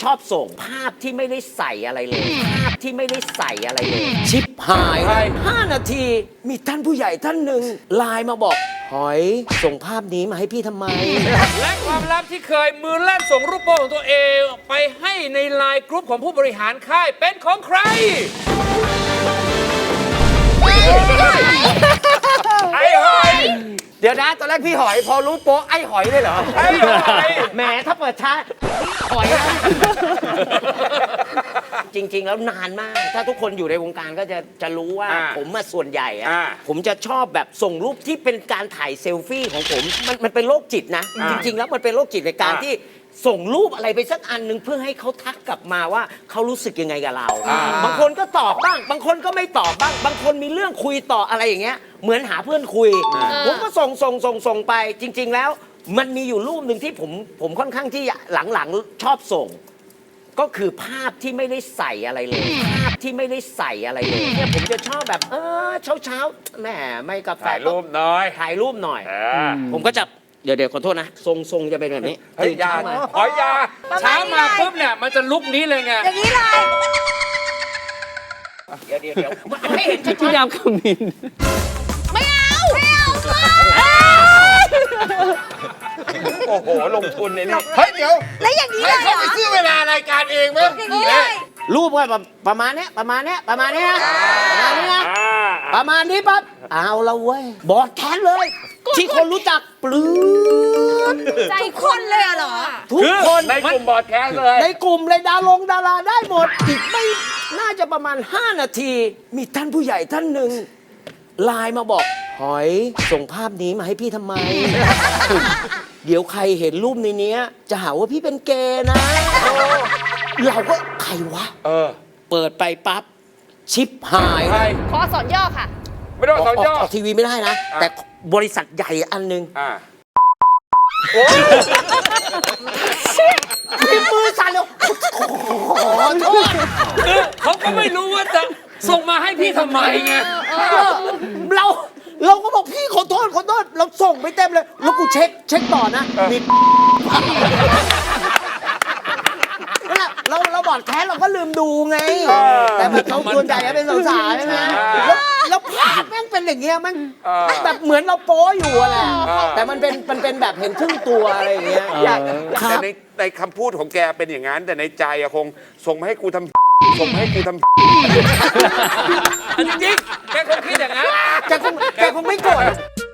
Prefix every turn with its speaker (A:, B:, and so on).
A: ชอบส่งภาพที่ไม่ได้ใส่อะไรเลยภาพที่ไม่ได้ใส่อะไรเลยชิปหาย5 นาทีมีท่านผู้ใหญ่ท่านหนึ่งไลน์มาบอกหอยส่งภาพนี้มาให้พี่ทำไม
B: และความลับที่เคยมือลั่นส่งรูปโป้ของตัวเองไปให้ในไลน์กรุ๊ปของผู้บริหารค่ายเป็นของใคร ไอ้หอย
A: เดี๋ยวนะตอนแรกพี่หอยพอรู้โป๊ะไอ้หอยเลยเหรอ
B: ไอ้หอย
A: แหมถ้าเปิดช้าหอยนะจริงๆแล้วนานมาก ถ้าทุกคนอยู่ในวงการก็จะรู้ว่าผมมาส่วนใหญ่อะผมจะชอบแบบส่งรูปที่เป็นการถ่ายเซลฟี่ของผมมันเป็นโรคจิตนะ จริงๆแล้วมันเป็นโรคจิตในการที่ส่งรูปอะไรไปสักอันหนึ่งเพื่อให้เขาทักกลับมาว่าเขารู้สึกยังไงกับเราบางคนก็ตอบบ้าง บางคนก็ไม่ตอบบ้าง บางคนมีเรื่องคุยต่ออะไรอย่างเงี้ยเหมือนหาเพื่อนคุยผมก็ส่งไปจริง ๆแล้วมันมีอยู่รูปหนึ่งที่ผมค่อนข้างที่หลังๆชอบส่ง ก็คือภาพที่ไม่ได้ใส่อะไรเลยภาพที่ไม่ได้ใส่อะไรเลยเนี่ยผมจะชอบแบบเช้าแหมไม่กาแฟ
B: ถ่ายรูปหน่อย
A: ถ่ายรูปหน่อยผมก็จะเดี๋ยวขอโทษนะทรงจะเป็นแบบนี้
B: เฮ้ยยาหอยยาเช้ามาปุ๊บเนี่ยมันจะลุกนี้เลยไง
C: อย่างนี้เลย
A: เดี๋ยวไม่เห็นชัด
D: พี่ดาวขมิน
C: ไม่เอาไม่เอา
B: โอ้โหลงทุนในนี่
E: เฮ้ยเดี๋ยว
C: แล้วอย่างนี้เล
E: ให้
C: ยเหร
E: เขา
C: อ
E: ไปซื้อเวลารายการเองไหม
C: อย่างนี้เลย
A: รูปก็ประมาณเนี้ยประมาณนี้นะประมาณนี้นะประมาณนี้ปั๊บเอาละเว้ยบอดแคสเลย ที่คนรู้จักปลื้ม
C: ใจคนเลยเหรอ
A: ทุกคน
B: ในกลุ่มบอร์ดแคสเลย
A: ในกลุ่มเลยดาราได้หมดอีกไม่น่าจะประมาณ5 นาที มีท่านผู้ใหญ่ท่านหนึ่งไลน์มาบอกหอยส่งภาพนี้มาให้พี่ทำไม เดี๋ยวใครเห็นรูปในเนี้ยจะหาว่าพี่เป็นเกย์นะเราก็ใครวะเปิดไปปั๊บชิปหาย
B: ใคร
C: ขอสอนย่อค่ะ
B: ไม่ต้องสอนย่อ
A: ออกทีวีไม่ได้นะ แต่บริษัทใหญ่อันหนึง มีมือสั่นเลยขอโทษ
B: คือเขาก็ไม่รู้ว่าจะส่งมาให้พี่ทำไมไง
A: เราก็บอกพี่ขอโทษเราส่งไปเต็มเลย แล้วกูเช็คต่อนะมีนั่นแหละเราบอดแคสเราก็ลืมดูไง แต่แบบเขาส่วนใหญ่เป็นสาวๆใช่ไหมแล้วภาพแม่งเป็นอย่างเงี้ยมันแบบเหมือนเราโป๊อยู่อะแหละแต่มันเป็นแบบเห็นครึ่งตัวอะไรอย่างเงี้ย
E: แต่ในคำพูดของแกเป็นอย่างนั้น แต่ในใจอะคงส่งมาให้กูทำส่งมาให้กูทำ
B: จริงๆแกคงคิดอย่างนั้น
A: แกคงไม่โกรธ